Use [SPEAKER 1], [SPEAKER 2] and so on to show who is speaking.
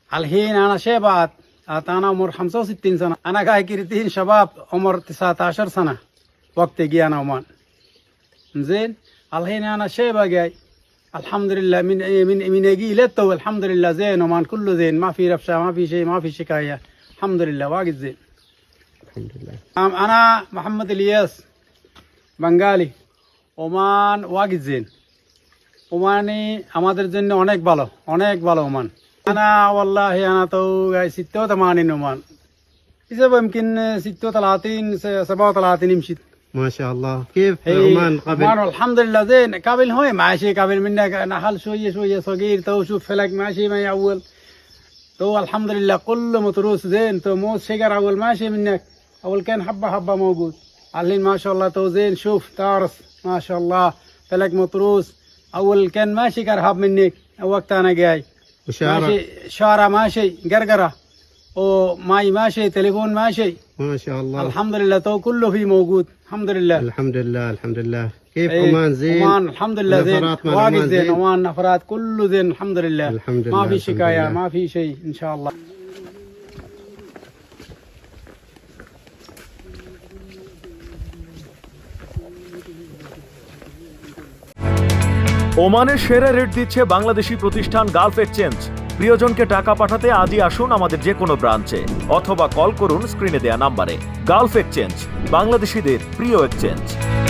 [SPEAKER 1] الحين أنا شيبات أنا عمر 65 سنة. أنا قاعد كريتين شباب عمر 19 سنة وقت جي أنا عمان. زين الحين أنا شيبة جاي الحمد لله من يجي لتو الحمد لله زين عمان كله زين ما في رفشة ما في شيء ما في شكاية الحمد لله واجد زين
[SPEAKER 2] الحمد لله.
[SPEAKER 1] أنا محمد الياس بنغالي ওমান ওয়াগিদ gen Omani আমাদের জন্য অনেক ভালো ওমান أنا والله أنا تو 86 ওমান إذا يمكن 36 37 مشيت
[SPEAKER 2] ما شاء الله. كيف عمان قبل؟
[SPEAKER 1] عمان الحمد لله زين قبل هو ماشي قبل منك نحل شوية صغير تو شوف فلك ماشي ما أول تو الحمد لله كله متروس زين تو موس شجر أول ماشي منك أول كان حبة موجود الحين ما شاء الله تو زين شوف تارس ما شاء الله فلك متروس أول كان ماشي كرهب منك وقت أنا جاي ماشي شارع ماشي قرقرة وماي ماشي تليفون ماشي
[SPEAKER 2] ما شاء الله.
[SPEAKER 1] الحمد لله تو كله فيه موجود الحمد لله.
[SPEAKER 2] الحمد لله الحمد لله. كيف عمان زين؟
[SPEAKER 1] عمان الحمد لله زين واجد زين عمان نفرات كله زين الحمد لله
[SPEAKER 2] الحمد لله.
[SPEAKER 1] ما في شكاية ما في شيء إن شاء الله.
[SPEAKER 3] ওমানের সেরা রেট দিচ্ছে বাংলাদেশি প্রতিষ্ঠান গালফ এক্সচেঞ্জ। প্রিয়জনকে টাকা পাঠাতে আজই আসুন আমাদের যে কোনো ব্রাঞ্চে অথবা কল করুন স্ক্রিনে দেয়া নাম্বারে। গালফ এক্সচেঞ্জ, বাংলাদেশিদের প্রিয় এক্সচেঞ্জ।